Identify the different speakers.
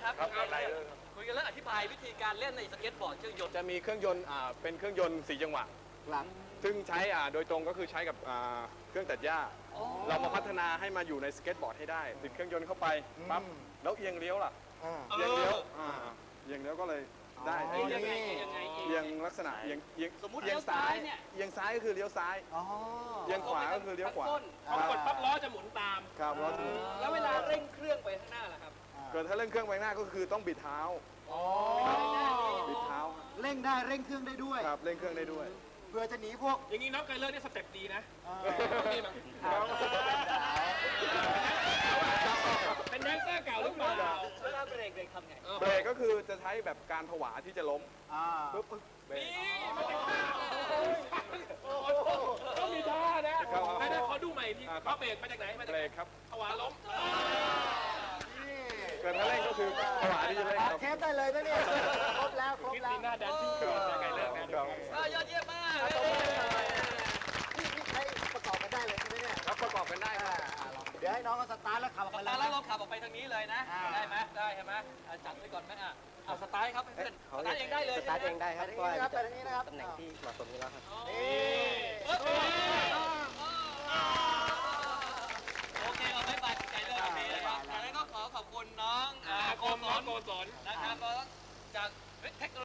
Speaker 1: ครับ
Speaker 2: ครับไรเดอร์
Speaker 1: คุยกันแล้วอธิบายวิธีการเล่นในสเก็ตบอร์ดเครื่องยนต์
Speaker 2: จะมีเครื่องยนต์เป็นเครื่องยนต์4 จังหวะ
Speaker 3: ครับ
Speaker 2: ซึ่งใช้โดยตรงก็คือใช้กับเครื่องตัดหญ้า เรามาพัฒนาให้มาอยู่ในสเก็ตบอร์ดให้ได้ติดเครื่องยนต์เข้าไปปั๊บแล้วเอียงเลี้ยวล่ะ เอียงเลี้ยวเอียงเลี้ยวก็เลยได้
Speaker 3: อ๋อ
Speaker 1: ยังไง
Speaker 2: เอียงลักษณะเอียง
Speaker 1: สมมุติเลี้ยวซ้ายเนี่ย
Speaker 2: เอียงซ้ายก็คือเลี้ยวซ้าย
Speaker 3: อ๋อ
Speaker 2: เอียงขวาก็คือเลี้ยวขวา
Speaker 1: ต้น
Speaker 4: พอกดปั๊บล้อจะหมุนตาม
Speaker 2: ครับล้อถูก
Speaker 1: แล้วเวลาเร่งเครื่องไปข้างหน้าล่ะครับ
Speaker 2: เกิดถ้าเร่งเครื่องไปหน้าก็คือต้องบิดเท้า
Speaker 3: อ๋อ
Speaker 2: บิดเท้า
Speaker 3: เร่งได้เร่งเครื่องได้ด้วย
Speaker 2: ครับเร่งเครื่องได้ด้วย
Speaker 3: เพื่อจะหนีพวก
Speaker 4: อย่างนี้น้องไกเลอร์นี่สเต็ปดีนะ
Speaker 3: เ
Speaker 4: ดีมั้งเป็นแดนเซอร์เก่าหรือเปล่า
Speaker 1: เวลาเบรกทำไง
Speaker 2: เบรกก็คือจะใช้แบบการผวาที่จะล้ม
Speaker 3: อ่า
Speaker 2: ปึ๊บเบรก
Speaker 4: นี่มันจะฆ่าโอ้โหต้องมีท่านะไม่ได้ขอดูใหม่ทีเขาเบรกมาจากไหนมาจาก
Speaker 2: เบรกครับ
Speaker 4: ถวาล้ม
Speaker 3: นี่
Speaker 2: เกิดถ้าเร่งก็คือผวาที่จะเร่งครับ
Speaker 3: เทปได้เลยนะเนี่ยครบแล้วครบ
Speaker 4: คริส
Speaker 3: แล้ว
Speaker 4: ติน่าแดนซิ่งควีนไกเลอร์นะ
Speaker 2: ครับ
Speaker 1: ยอดเยี่ยมมาก
Speaker 3: นี่ใช้ประกอบกันได้เลยใช่ไหมเนี่ย
Speaker 2: ครับประกอบกันได้ครับ
Speaker 3: ลองเดี๋ยวให้น้องเขาสตาร์ทแล้วขับออก
Speaker 1: ส
Speaker 3: ไป
Speaker 1: ตาร์ท
Speaker 3: เล
Speaker 1: แล้ว
Speaker 3: ย
Speaker 1: เราขับออกไปทางนี้เลยนะ ได้ไหมได้ใช่ไหมจัดไว้ก่อนไหมเอาสตาร์ทครับเพื่อนสตาร์ทเองได้เลย
Speaker 5: สตาร์ทเองได้ครับ
Speaker 3: ไป
Speaker 5: เพราะว่า
Speaker 3: ทางนี้นะครับ
Speaker 5: ตำแหน่งที่เหมาะสมอยู่แล้วครับ
Speaker 3: นี่
Speaker 1: โอเคเอาไม่ไปใจเลยโอเคนะครับจากนั้นก็ขอขอบคุณน้อง
Speaker 4: โกศล
Speaker 1: นะครับจากเทคโนโลยี